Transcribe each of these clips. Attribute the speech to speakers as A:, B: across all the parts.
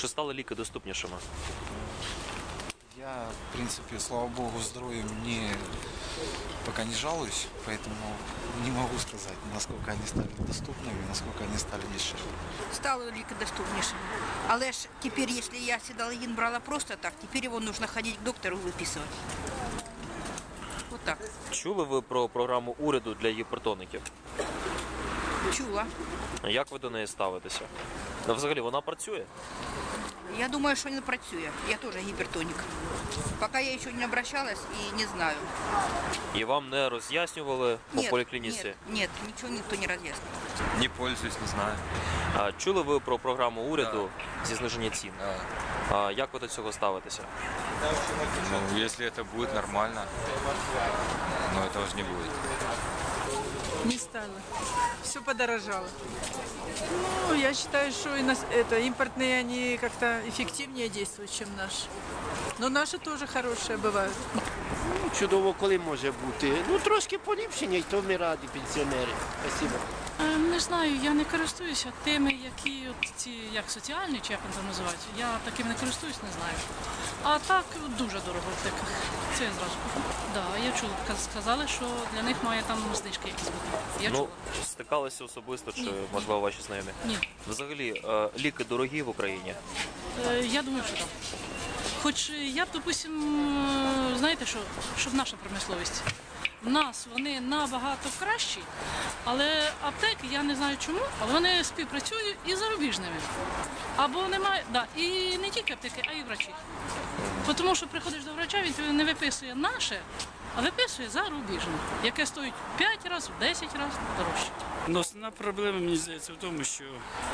A: Чи стали ліки доступнішими?
B: Я, в принципе, слава богу, здоровьем пока не жалуюсь, поэтому не могу сказать, насколько они стали доступными, насколько они стали дешевле.
C: Стало ліки доступнішими. Але ж тепер, якщо я седалгін брала просто так, тепер його потрібно ходити к доктору виписувати. Вот так.
A: Чули ви про програму уряду для гіпертоників?
C: Чула.
A: Як ви до неї ставитеся? Взагалі, вона працює?
C: Я думаю, що не працює. Я теж гіпертонік. Поки я ще не обращалась і не знаю.
A: І вам не роз'яснювали по поліклініці?
C: Ні, нічого ніхто не роз'яснює.
D: Не пользуюсь, не знаю.
A: А чули ви про програму уряду зі зниження цін?
D: Да.
A: А як ви до цього ставитеся?
D: Ну, если это будет нормально, но этого же не будет.
E: Не стало. Все подорожало. Ну, я считаю, что импортные, они как-то эффективнее действуют, чем наши. Но наши тоже хорошие бывают.
F: Чудово, коли може бути. Ну, трошки поліпшення, і то ми раді, пенсіонери. Спасибо.
G: Не знаю, я не користуюся тими, які от ці, як соціальні, чи як вони там називають. Я таким не користуюсь, не знаю. А так дуже дорого в аптеках. Це я зразу кажу. Да, я чула, сказали, що для них має там знижки якісь бути. Я чула.
A: Стикалися особисто, чи,
G: Ні.
A: можливо, ваші знайомі?
G: Ні.
A: Взагалі, ліки дорогі в Україні?
G: Я думаю, що так. Хоч я б, допустим, знаєте що, щоб наша промисловість. В нас вони набагато кращі, але аптеки, я не знаю чому, але вони співпрацюють із зарубіжними. Або немає, да, і не тільки аптеки, а й врачі. Тому що приходиш до врача, він тобі не виписує наше, а виписує зарубіжне, яке стоїть 5 разів, 10 разів дорожче.
H: Ну, основна проблема, мені здається, в тому, що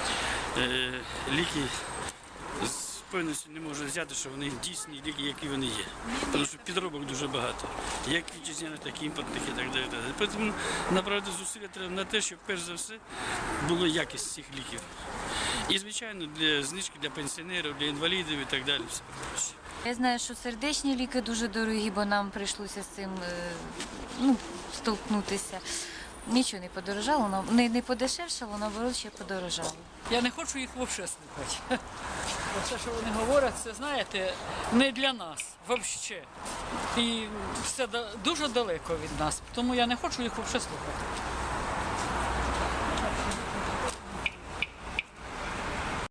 H: ліки з певністю не можуть взяти, що вони дійсні ліки, які вони є. Тому що підробок дуже багато. Як вітчизняних, так і імпортних і так далі. Тому направити зусилля треба на те, щоб перш за все була якість цих ліків. І, звичайно, для знижки для пенсіонерів, для інвалідів і так далі. Все проще.
I: Я знаю, що сердечні ліки дуже дорогі, бо нам прийшлося з цим столкнутися. Нічого не подорожало, не подешевшало, наоборот, ще подорожало.
E: Я не хочу їх взагалі слухати. Все, що вони говорять, це, знаєте, не для нас, взагалі. І все дуже далеко від нас, тому я не хочу їх взагалі слухати.